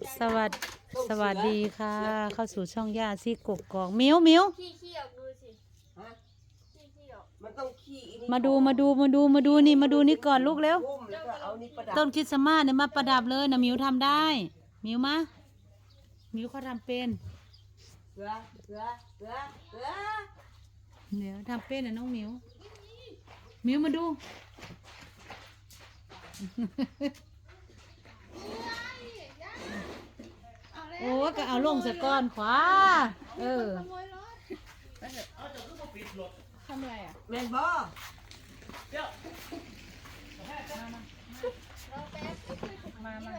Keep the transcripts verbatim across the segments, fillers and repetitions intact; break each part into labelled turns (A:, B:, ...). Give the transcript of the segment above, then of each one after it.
A: สวัสดสวัสดีค่ะ เข้าสู่ช่องย่าซี่กกอกมิ้วมิ้ว
B: ขี้ขี้ออกดูสิ
C: ฮะ
B: ขี้ขี้ออก
C: มันต้องขี้อีนี่
A: มาดูมาดูมาดูมาดูนี่มาดูนี่ก่อนลูกเร็ว
C: พุ่มแล้วก็เอานี่ประดับ
A: ต้นคริสต์มาสเนี่ยมาประดับเลยนะมิวทำได้มิวมามิวเขาทำเป็น
C: เสือเสือเสือเสือ
A: เดี๋ยวทำเป็นนะน้องมิวมิวมาดูโอ้ก็เอาลงสะก้อนขวาเออ
B: ขโมยรถทำอะไรอ่ะ
C: แมนบอ
B: เราแป๊บมามา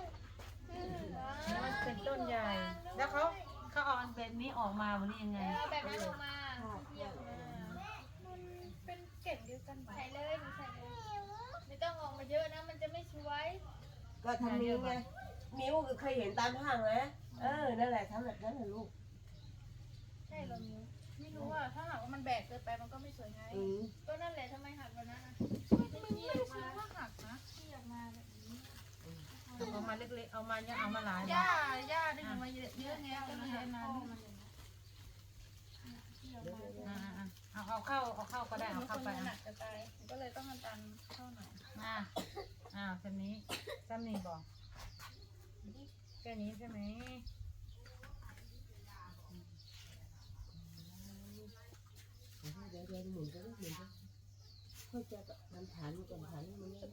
A: มันเป็นต้นใหญ่ แล้วเขาเขาเอาอันแบบนี้ออกมาวันนี้ยังไง
B: เอาแบบนั้นออกมาเยี่ยมมามันเป็นเก่งเดียวกันใส่เลยหนูใส่เลยไม่ต้องออกมาเยอะนะมันจะไม่สวย
C: ก็ทำนิ้วไงนิ้วเคยเห็นตามห้างไหมเออนั่นแหละทำแบบนั้นนะลูก
B: ใช่เหรอมิวไม่รู้ว่าถ้าหากว่ามันแบกเกินไปมันก็ไม่สวยไง
C: อืม
B: ก็นั่นแหละทำไมหักวันนั้นนะไม่ไม่รู้ว่าหักนะที่ออกมาแบบนี้
A: เอามาเล็กๆเอามาเนี่ยเอามาหลาย
B: ย่าย่าได้ยินมาเยอะเยอะไงก็เลยให้มาลูก
A: อ่าๆเอาเอาเข้าเอาเข้าก็ได้เอาเข้าไป
B: หนั
A: อ่ะ
B: กจะตายก็เลยต้องดันเข้าหน่อย
A: อ่าอ่าแค่นี้จำนี่บอกแค่นี้ใช่ไหม
C: เดี๋ยวเดี๋ยวหมุนก็หมุนก็ค่อยจะมันฐานมันก่อนฐานมันไม่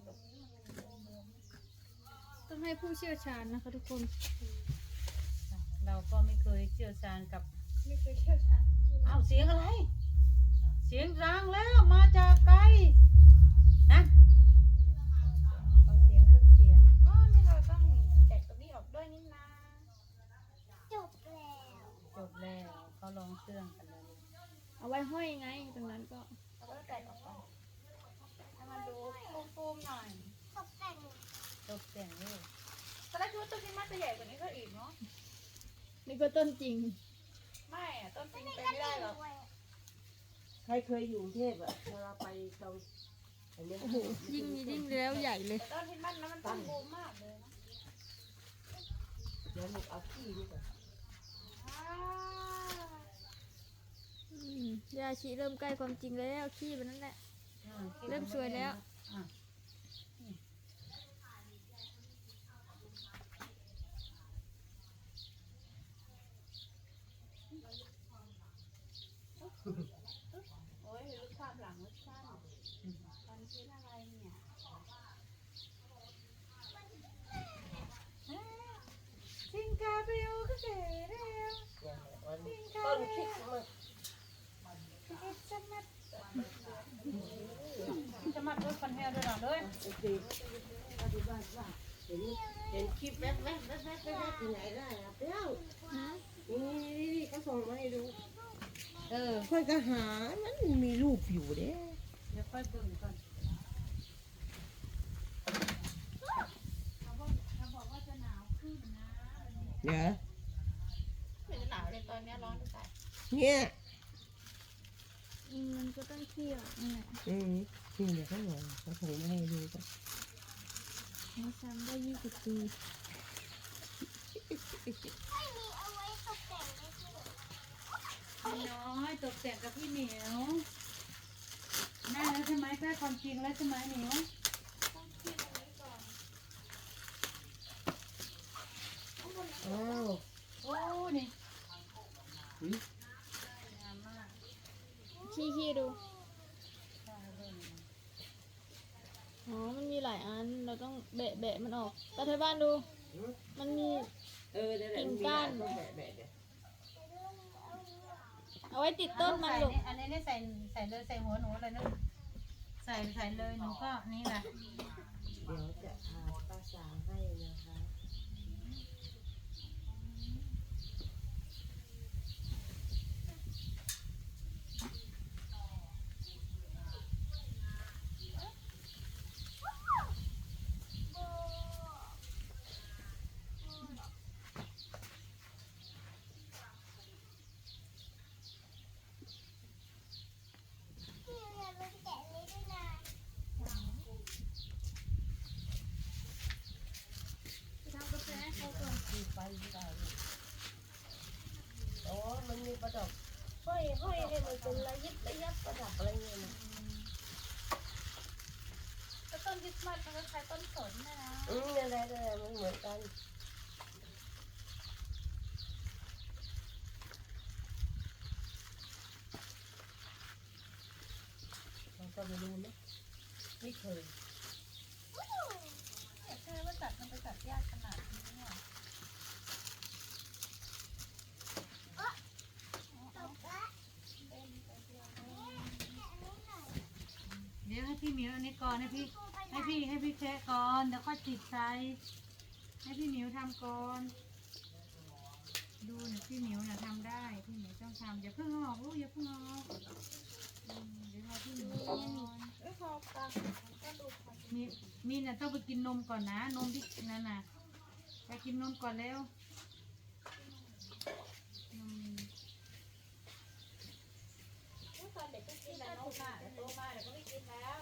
B: ต้องให้ผู้เชี่ยวชาญนะคะทุกคน
A: เราก็ไม่เคยเชี่ยวชาญกับ
B: ไม่เคยเชี่ยวชาญ
A: อ้าวเสียงอะไร เสียงดังแล้วมาจากไกลฮะเอาเสียงเครื่องเสียง
B: อ๋อนี่เราต้องแกะตรงนี้ออกด้วยนี่นะจบแล้ว
A: จบแล้วเขาลองเครื่องกันแล้ว
B: เอาไว้ห้อยไงตรงนั้นก็เราก็แกะออกไปให้มันดูฟูมๆหน่อย
A: ตกแต่งเลย
B: ตอนแรกคิดว่าต้นนี้มันจะใหญ่กว่านี้ก็อีกเนาะนี่ก็ต้นจริงไม่อะต้นจริงไปไม่ได้หรอก
C: ใครเคยอยู่กรุงเทพอะเวลาไปตรงอันเนี้ย
B: ยิ่งมียิ่งแล้วใหญ่เลยต้นที่มันนะมันต้นบูมมากเลยนะ
C: เดี๋ยวลูกเอาขี้นี่ก่อน
B: อืมยาชีเริ่มใกล้ความจริงแล้วขี้มันนั่นแหละ
A: อ่า
B: เริ่มสวยแล้ว
A: อ่ะ
B: โอ้ยรูปภาพหลังมันสั้นตอนคิดอะไรเนี่ย
A: สิงคาเบลก็เจ๋แล้ว
C: ต้นคริสต์มาส
A: จะมัดด้วยฟันแฮร์ด้วยหรอเลย
C: โอเคปฏิบัติว่าเห็นเห็นคลิปแว๊บแว๊บแว๊บแว๊บแว๊บที่ไหนได้อะเปรี้ยวนี่นี่นี่เขาส่งมาให้ดู
A: เออ
C: ค่อยก็หามันมีรูปอยู่เด้
A: เดี๋ยวค่อยเบิ่งก่อน
C: เดี๋ยว
B: ไม่จะหนาวเลยตอนนี้ร้อนจะตาย
C: เนี่ย
B: มันก็ต้องเที่ยวนี่แหละ
C: อืมนี่เดี๋ยวเขาบอกเขาส่งมาให้ดูกัน
B: มาซ้ำได้ยี่สิบปี
A: น้อยตกแต่งกับพี่เหมียวแม่แล้วใช่ไหมใกล้ความจริงแล้วใช่ไหมเหมียว
C: อ้าว
A: โอ้นี่
C: อืม
A: งามมาก
B: ขี้ขี้ดูอ๋อมันมีหลายอันเราต้องแบะแบะมันออกตาไทยบ้านดู มันมี
C: เออเดี๋ยวเดี๋ยว
B: กิ่ง
C: มี
B: ก้าน
C: ต้องแบะแบะเดี๋ยว
B: เอาไว้ติดต้นมันลูก
A: อันนี้นี่ใส่ใส่เลยใส่หัวหนูเลยนะใส่ใส่เลยหนูก็นี่แหละ
C: เดี๋ยวจะพาป้าสาวให้นะคะอกห้อยห้อยให้มันเป็นระยิบระยับประดับอะไรเงี้ยนะ
B: ก็ต้นคริสต์มาสมันก็คล้ายต้นสนนะนะ
C: อืมอะไรอะไรมันเหมือนกันเราก็ไม่รู้นะไม่เคย
B: เนี่ยใช่ว่าตัดมันไปตัดยากขนาดนี้เนี่ย
A: เดี๋ยวให้พี่หมิวอันนี้ก่อนให้พี่ให้พี่ให้พี่แคะก่อนเดี๋ยวค่อยติดใจให้พี่หมิวทำก่อนดูเนี่ยพี่หมิวน่ะทำได้พี่หมิวต้องทำอย่าเพิ่งออกลูกอย่าเพิ่งออกอืมเดี๋ยวรอพี่หมิวก่อน
B: เอ้ยพอปลาก็ดูพอ
A: มีมีน่ะต้องไปกินนมก่อนนะนมที่นั่นน่ะไปกินนมก่อนแล้วนม
B: ตอนเด็กก็กินแต่นมอ่ะแต่โตมาเดี๋ยวก็ไม่กินแล้ว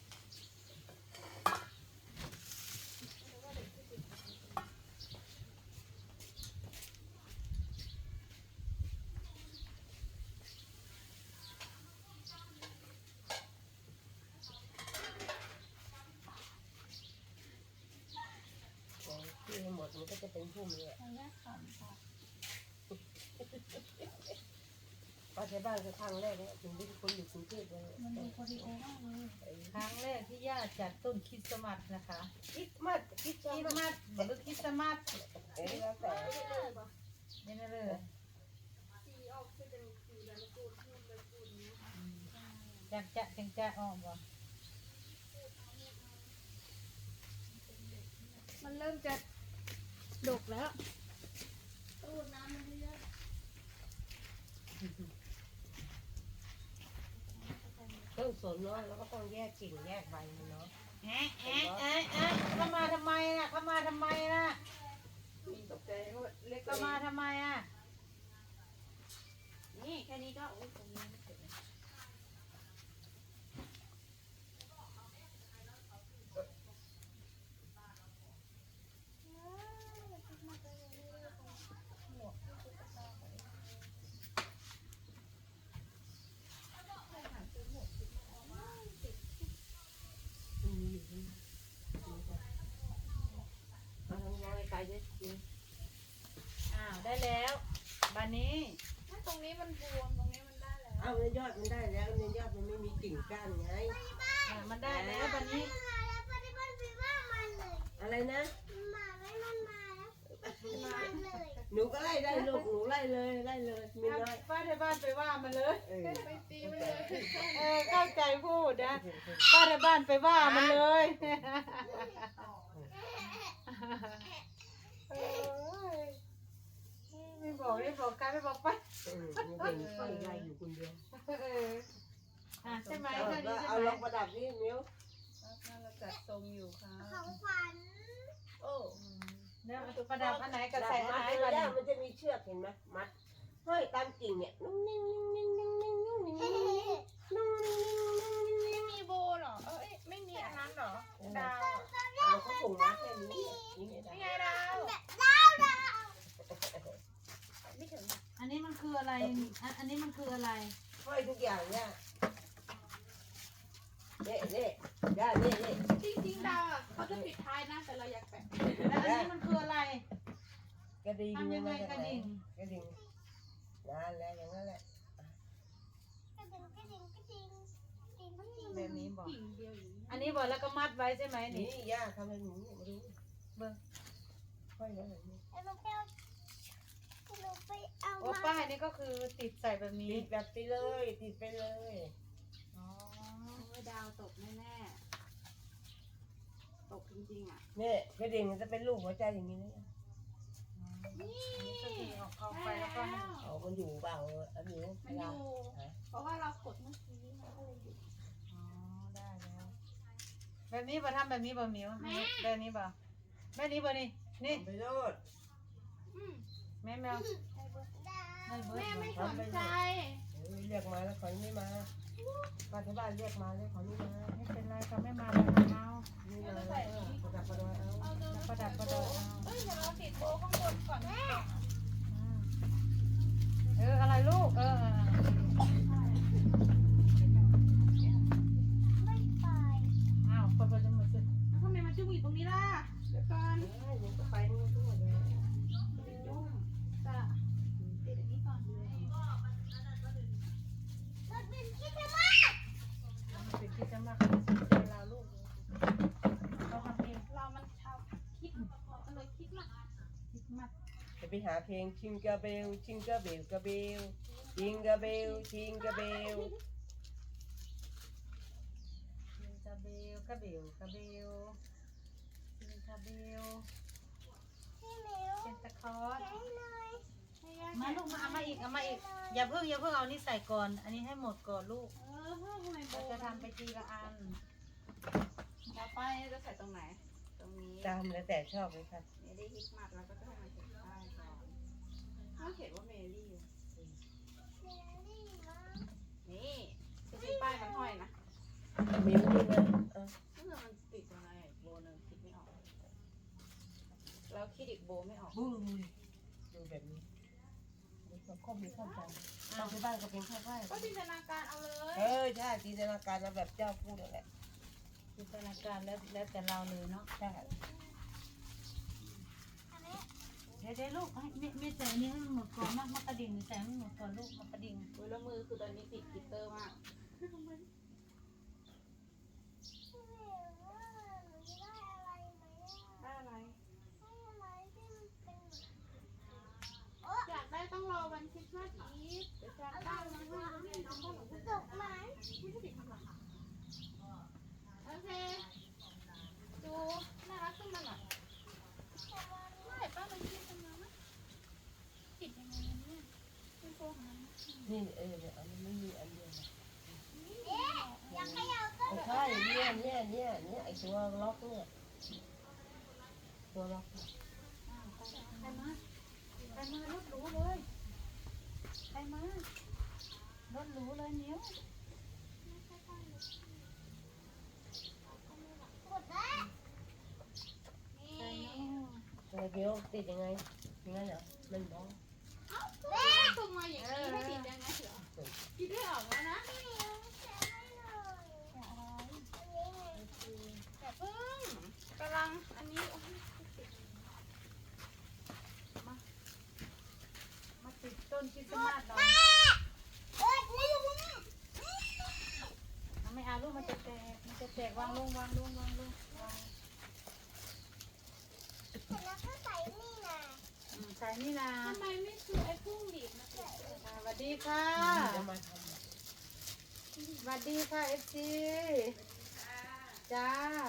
C: ที่หมดมันก็จะเป็นพุ่มเลย
B: ทางแรกขำค่ะ
C: ป้าใช้บ้านคือครั้งแรกเนี่ยถึงที่คนอยู่กรุงเทพเลย
B: มันดูโคดิโอมากเลย
A: ครั้งแรกที่ย่าจัดต้นคริสต์มาสนะคะ
C: คิดมัดคิด
A: คริส
C: มัด
A: ต์มาสหรือคริสต์มาส
C: เอ้ยแล้วแต่
A: นี่นะเลย
B: สีออกคือเป็นสีแบบกูดพูดแบบกูดนี้
A: จักจะจังจะออกบ่
B: มันเริ่มจะดกแล้วตูดน้ำมันเยอะ
C: ต้นสนเนาะแล้วก็ต้องแยกกิ่งแยกใบมันเนาะ
A: แอะแอะแอะแอะเข้ามาทำไมน่ะเข้ามาทำไมน่ะ
C: ตกใจเขาเล็ก
A: เข้ามาทำไมอ่ะ
B: นี่แค่นี้ก็โอ้ยตรงนี้ไม่เสร็จเลย
C: มีอยู่ที่นี่เอาทางมองไกลๆด้วยสิ
A: อ้าวได้แล้วบันนี้
B: ถ้าตรงนี้มันบวมตรงนี้มันได้แล้ว
C: เอาในยอดมันได้แล้วในยอดมันไม่มีกิ่งก้านไง
A: อ่ะมันได้แล้วบันนี้
C: อะไรนะหนูก็ไล่ได้ลูกหนูไล่เลยไล่เลยมีน้อย
A: ป้าที่บ้านไปว่ามันเลย
C: เออ
B: ไม่ตีมันเลย
A: เออเข้าใจพูดนะป้าที่บ้านไปว่ามันเลยเออไม่บอกไม่บอกกันไม่บอกไป
C: เออมันเป็นไฟไล่อยู่คนเดียว
A: เอออ่ะใช่ไหม
C: เอา
A: เท่านี้ใช่
C: เอา
A: ไหม
C: ลองประดับนี่มิ้ว
B: น่าจะจัดทรงอยู่ค่ะ
C: โอ้
A: แล้วประดับอันไหน
C: ก
A: ก็
C: ระ
A: ใส่
C: ใส่
A: อัน
C: มัด
A: ไหน
C: เล
A: ก่อน
C: ยนะมันจะมีเชือกเห็นไหมมัดห้อยตามกิ่งเนี่ยนุ่งนิ่งนิ่งนิ่งนิ่งนิ่งนิ่งนิ่งนุ่งนิ่งนิ่งนิ่งนิ่ง
B: ไม่มีโบเหรอ เอ้ยไม่มีอันนั้นเหรอ ดาว
C: เราก็ส่งมาแค่นี้นี่
B: นี่
C: ไง
B: ไงดาว
C: ไม่ถึง
A: อันนี้มันคืออะไรอันอันนี้มันคืออะไร
C: ห้อยทุกอย่างเนี่ยเน่เน่ย่าเน่เน่
B: จริงๆดาวอ่ะเขาจะปิดท้ายนะแต่เราอยากแปะ
A: แล้วอันนี้มันคืออะไร
C: กระดิ่ง
A: ทำยังไงกระดิ่ง
C: กระดิ่งนั่นแหละอย่างนั้นแหละ
A: แบบนี้บอก
B: กิ่งเดียวอย่างนี้
A: อันนี้บอกแล้วก็มัดไว้ใช่ไหม
C: นี่
A: นี่
C: ย่าทำอะไรหนูมาดู
A: เบิ้ง
C: ห้อยแล้วแบบนี้
A: โอ้ป้ายนี่ก็คือติดใส่แบบนี้
C: ติดแบบไปเลยติดไปเลย
A: อ๋อ
B: โอ้ยดาวตกแน่ๆตกจริงๆอ่ะ
C: เนี่ยกระดิ่งมันจะเป็นรูปหัวใจอย่างนี้นะ
A: อันนี้ก็คือเอาเข้าไปแล้วก็ให้
C: เอามันอยู่เปล่าอันนี้
B: มันอยู่ เพราะว่าเรากดเมื่อกี้มันก็เลยอยู่
A: อ๋อได้แล้ว แบบนี้ป่ะทำแบบนี้ป่ะหมิวแบบนี้ป่ะแบบนี้ป่ะนี่นี่
C: ไปโลด
B: อืม
A: แม่แมวให้เบิร์ด
B: แม่ไม่
A: บ่
B: สนใจ
C: เรียกมาแล้วขอไม่มาป้าที่บ้านเรียกมาแล้วขอไม่มา
A: ไม่เป็นไรเขาไม่มาแล้วเอา
C: ไม่มาแล้วประดับประดอยเอา
B: เอาดู
A: ประดับประดอยเอา
B: เอ้ยเดี๋ยวเราติดโบข้างบนก่อน
A: อืมเอออะไรลูกเออเอสต์มาส
C: จะไปหาเพลงชิงกาเบลชิงกาเบลกาเบลชิงกาเบลชิงกาเบล
A: จิงกาเบลกาเบลกาเบลจิงกาเบลเซนตาคลอสมาลูกมาเอามาอีกเอามาอีกอย่าเพิ่งอย่าเพิ่งเอานี่ใส่ก่อน อันนี้ให้หมดก่อนลูก
B: เออพ่อทำไมโบ
A: เราจะทำไปทีละอัน
B: ต่อไปจะใส่ตรงไหน ตรงนี้
C: ตามแล้วแต่ชอบเลยค่ะ
B: เมลี่ฮิกมัดแล้วก็จะให้มันเขียนป้ายก่อนเขาเขียนว่าเมลี่นี่จะมีป้ายมันห้อยนะ
C: มิ้วนี่นะเออ
B: ก็คือมันติดตรงไหนโบนึงคิดไม่ออกแล้วคิดอีกโบไม่ออก
C: บูดูแบบนี้ดูความครอบมีเข้าใจตอนที่บ้านก็เป็นแค่ไหว้
B: ก็จินตนาการเอาเลย
C: เออใช่จินตนาการมาแบบเจ้าพูดนั่นแหละ
A: จินตนาการแล้วแล้วแต่เราเลยเนาะ
C: ใช่
A: เดี๋ยวเดี๋ยวลูกให้ไม่ไม่ใส่อันนี้ให้มันหมดก่อนมากมากระดิ่งใส่ให้มันหมดก่อนลูกมากระดิ่ง
B: มือแล้วมือคือตอนนี้ติดกลิตเตอร์มากได้อะไรอยากได้ต้องรอวันคริสต์มาสอีฟเดี๋ยวจะตั้งมาให้น้องพ่อหนูดอกไม้ไม่ได้ติดทำหรอคะโอเคดูน่ารักขึ้นมาหน่อยไม่ป้ามันคิดทำไมนะติดยังไงเนี่ยเป็นโฟมนะ
C: นี่เออเนี่ยอันนี้ไม่มีอันเดียวนะ
B: อยากให้เราก็
C: ใช่เนี่ยเนี่ยเนี่ยเนี่ยไอตัวล็อกเนี่ยตัวล็อก
A: ไปมาไปมารถหรูเลยไปมารถหรูเลยนิ้ว
C: อะไรเดียวติดยังไงยังไงเหรอมันบ้อง
B: แม่ส่งมาอย่างนี้ให้ติดยังไงเหรอคิดได้ออกแล้วนะแต่เพิ่งกำลังอันนี้
A: มาติดต้นคริสต์มาสหน่อยไม่เอาลูกมันจะแตกมันจะแตกวางลงวางลงวางลงวางอืมใส่นี่นะ
B: ทำไมไม่ซื้อไอ้พุ่งดีดมาติด
A: สวัสดีค่ะ
C: จะมาท
A: สวัสดีค่ะเอฟซีจ้า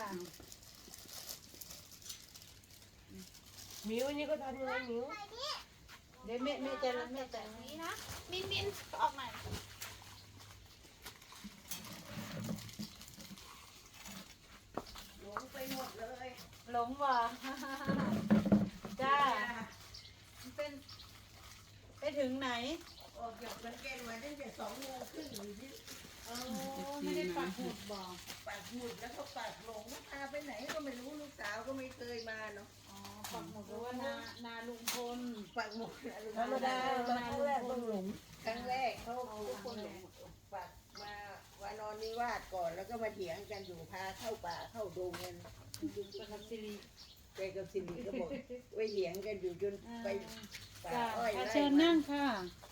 C: ำมิ้วนี่ก็ทำยังไงมิ้ว
A: เดี๋ยวแม่แม่จะแม่จะ
B: แบบนี้นะมินมินออกหน่อย
C: หลงไปหมดเลย
A: หลงว่ะ จ้ามันเป็นไปถึงไหน
C: ออกจากมันแกนมาตั้งแต่สองโมงครึ่งอยู่ที่
A: โอ้ไม่ได้ปักหมุดบอก
C: ปากหมุดแล้วก็ปากหลงพาไปไหนก็ไม่รู้ลูกสาวก็ไม่เคยมาเนาะ
A: อ๋อปักหมุดเพราะว่านานาลุงพล
C: ปากหมุดธรรมดามาครั้งแรกต้องหลงครั้งแรกเขาทุกคนหลงปากมาวานอนนิวาสก่อนแล้วก็มาเถียงกันอยู่พาเข้าป่าเข้าดงกัน
A: กับสิริ
C: แกกับสิริก็บอกไว้เถียงกันอยู่จนไปป่า
A: จ้า
C: อ้อย
A: อ่ะ
C: ไร่
A: เชิญนั่งค่ะ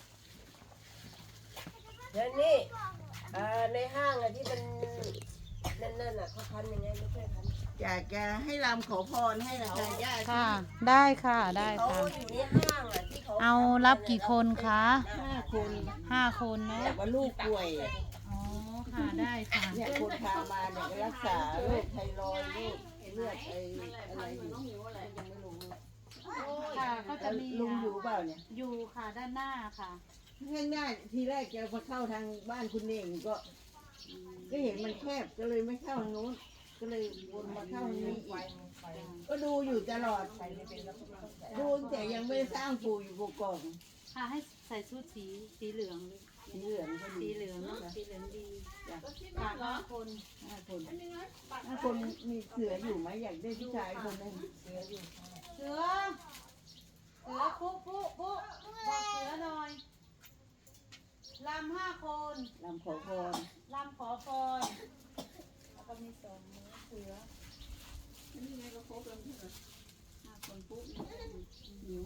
C: แล้วนี่อ่าในห้างอะที่มันนั่นๆอะเขาพันยังไงไม่ใช่พันอยากจะให้รำขอพรให้เราญาติ
A: ค่ะ ได้ค่ะได้
C: เขา
A: ค่ะ
C: อยู่ในห้างอะที่เขา
A: เอารับกี่คนคะ
C: ห้าคน
A: ห้าคนเนาะ
C: แต่ว่าลูกป่วย
A: อ๋อค่ะได้ค่ะ
C: เนี่ยคนพามาเนี่ยก็รักษาโรคไทรอยด์โรคเลือดไออะไรอยู่ยังไม่รู้
A: ค่ะก็จะมี
C: ลุงอยู่เปล่าเนี่ย
A: อยู่ค่ะด้านหน้าค่ะ
C: ข้างหน้าทีแรกจะมาเข้าทางบ้านคุณเองก็ ก็เห็นมันแคบก็เลยไม่เข้าทางนู้น ก็เลยวนมาเข้าทางนี้อีกก็ดูอยู่ตลอดดูแต่ยังไม่ได้สร้างปู่อยู่กกอง
A: ค่ะให้ใส่ชุดสีสีเหลืองเลย
C: สีเหลืองก็
A: สี
C: ดี
A: เหลืองเนอะสีเหลืองดี
C: จ้ะ
A: ค่ะห้าคน
C: ห้าคนห้าคนมีเสืออยู่ไหมอยากได้ผู้ชายคนหนึงเสืออยู่
A: เสือเสือปุ๊ปุ๊ปุ๊บอกเสือหน่อยลำห้าคน
C: ลำขอพร
A: ลำขอพรแล้วก็มีสองมือเสือ
C: นี่ไงก็ครบแล้วใช่ไหมห้าคนปุ๊บนิ้ว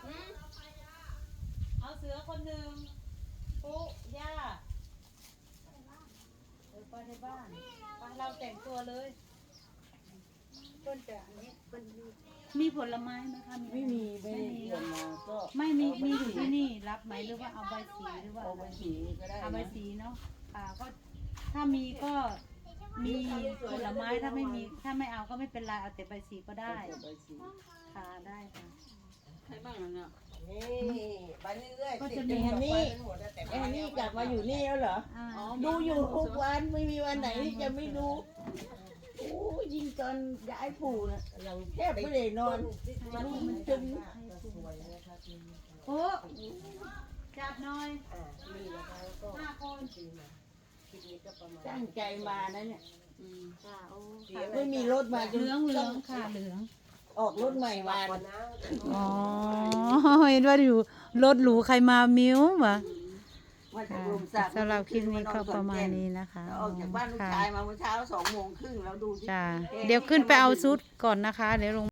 A: เอาเสือคนหนึ่งปุ๊ย่าเออไปในบ้านไปเราแต่งตัวเลยต้นจะอันนี้เป็นมีผลไม้ไหมคะ
C: ไม่มีไม่
A: ไม่มีมีอยู่ที่นี่รับไหมหรือว่าเอาใบสีหรือว่า
C: เอา
A: อะไร
C: ไปสีก็ได้
A: เอาใบ
C: นะ
A: สีเนาะค่ะก็ถ้ามีก็มีผลไม้ถ้าไม่มีถ้าไม่เอาก็ไม่เป็นไรเอาแต่ใบสีก็ได้
C: เอาใบสี
A: ค่ะได้ค่ะ
D: ใครบ้างแล้วเนี่ย
C: นี่ไปเรื่อยๆ
A: ก็
C: ติ
A: จะ
C: ด
A: มี
C: แอนนี่แอนนี่กลับมาอยู่นี่แล้วเหรอ
A: อ่า
C: ดูอยู่ทุกวันไม่มีวันไหนที่จะไม่ดูโอ้ยิ่งตอนย้ายปู่นะแทบไม่ได้นอนมันมันจึง
A: โอ้จับหน่อยห้าคน
C: ตั้งใจมานะเนี่ย
D: อืม
A: ค่ะโอ้
C: ไม่มีรถมาจ
A: เห
C: น
A: ลืองเหลืองค่ะเหลือง
C: ออกรถใหม่มา
A: อ๋อเห็นว่าอยู่รถหรูใครมามิ้ววะ
C: มาจาก
A: ค่ะ
C: ลมสัก
A: สำหรับคลิปนี้ก็ประมาณนี้นะคะ
C: ออกจากบ้านลูก
A: ค่ะ
C: ชายมาเมื่อเช้าสองโมงครึ่งแล้วดูสิ
A: จ้าเดี๋ยวขึ้นไปเอาซุดก่อนนะคะ เดี๋ยวลง